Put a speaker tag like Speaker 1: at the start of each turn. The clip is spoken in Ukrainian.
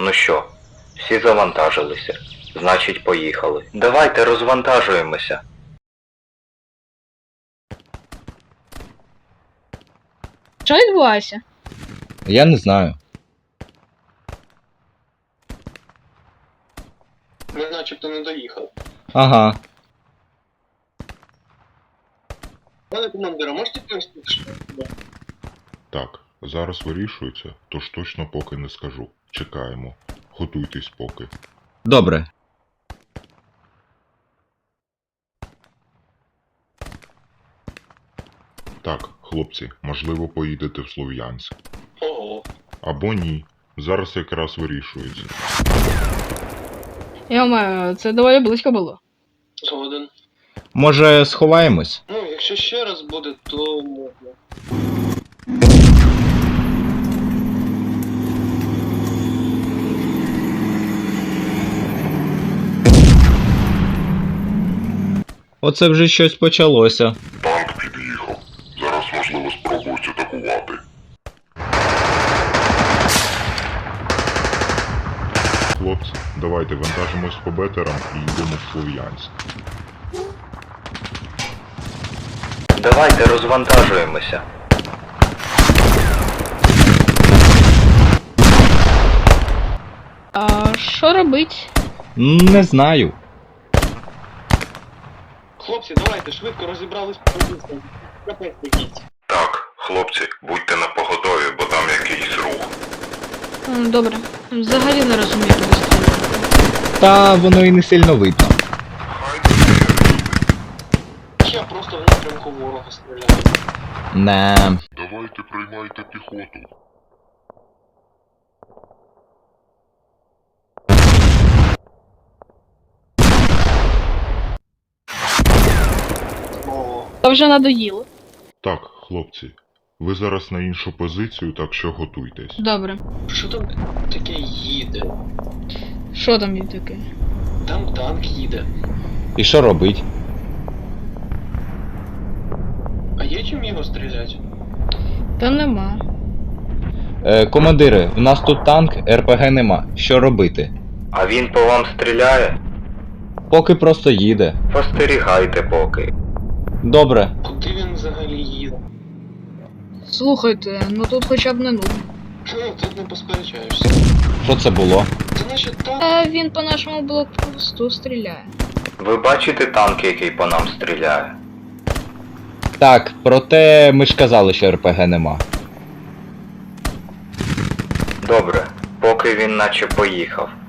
Speaker 1: Ну що, всі завантажилися. Значить, поїхали. Давайте розвантажуємося.
Speaker 2: Що відбувається?
Speaker 3: Я не знаю.
Speaker 4: Ми начебто не доїхали.
Speaker 3: Ага.
Speaker 4: Пане командира, можете пояснити, що це?
Speaker 5: Так, зараз вирішується, тож точно поки не скажу. Чекаємо. Готуйтесь поки.
Speaker 3: Добре.
Speaker 5: Так, хлопці, можливо, поїдете в Слов'янськ.
Speaker 4: Ого.
Speaker 5: Або ні. Зараз якраз вирішується.
Speaker 2: Йома, це доволі близько було.
Speaker 4: Згоден.
Speaker 3: Може, сховаємось?
Speaker 4: Ну, якщо ще раз буде, то можна.
Speaker 3: Оце вже щось почалося.
Speaker 5: Танк під'їхав. Зараз, можливо, спробують атакувати. Хлопці, давайте вантажимось по бетерам і йдемо в Слов'янськ.
Speaker 1: Давайте розвантажуємося.
Speaker 2: А що робить?
Speaker 3: Не знаю.
Speaker 4: Хлопці, давайте, швидко розібрались по позиціям. Капець якийсь.
Speaker 5: Так, хлопці, будьте на поготові, бо там якийсь рух.
Speaker 2: Добре. Взагалі не розумію, куди стріляти.
Speaker 3: Та воно і не сильно видно.
Speaker 4: Я просто в напрямку ворога стріляю.
Speaker 3: Не.
Speaker 5: Давайте приймайте піхоту.
Speaker 4: Ого.
Speaker 2: Та вже надоїло.
Speaker 5: Так, хлопці, ви зараз на іншу позицію, так що готуйтесь.
Speaker 2: Добре.
Speaker 4: Що там таке їде?
Speaker 2: Що там є таке?
Speaker 4: Там танк їде.
Speaker 3: І що робить?
Speaker 4: А є чим його стріляти?
Speaker 2: Та нема.
Speaker 3: Командири, в нас тут танк, РПГ нема. Що робити?
Speaker 1: А він по вам стріляє?
Speaker 3: Поки просто їде.
Speaker 1: Постерігайте поки.
Speaker 3: Добре.
Speaker 4: Куди він взагалі їде?
Speaker 2: Слухайте, ну тут хоча б не нудно.
Speaker 4: Ну, тут не посперечаєшся.
Speaker 3: Що це було?
Speaker 4: Це наче танк.
Speaker 2: А він по нашому блокпосту стріляє.
Speaker 1: Ви бачите танк, який по нам стріляє?
Speaker 3: Так, проте ми ж казали, що РПГ нема.
Speaker 1: Добре, поки він наче поїхав.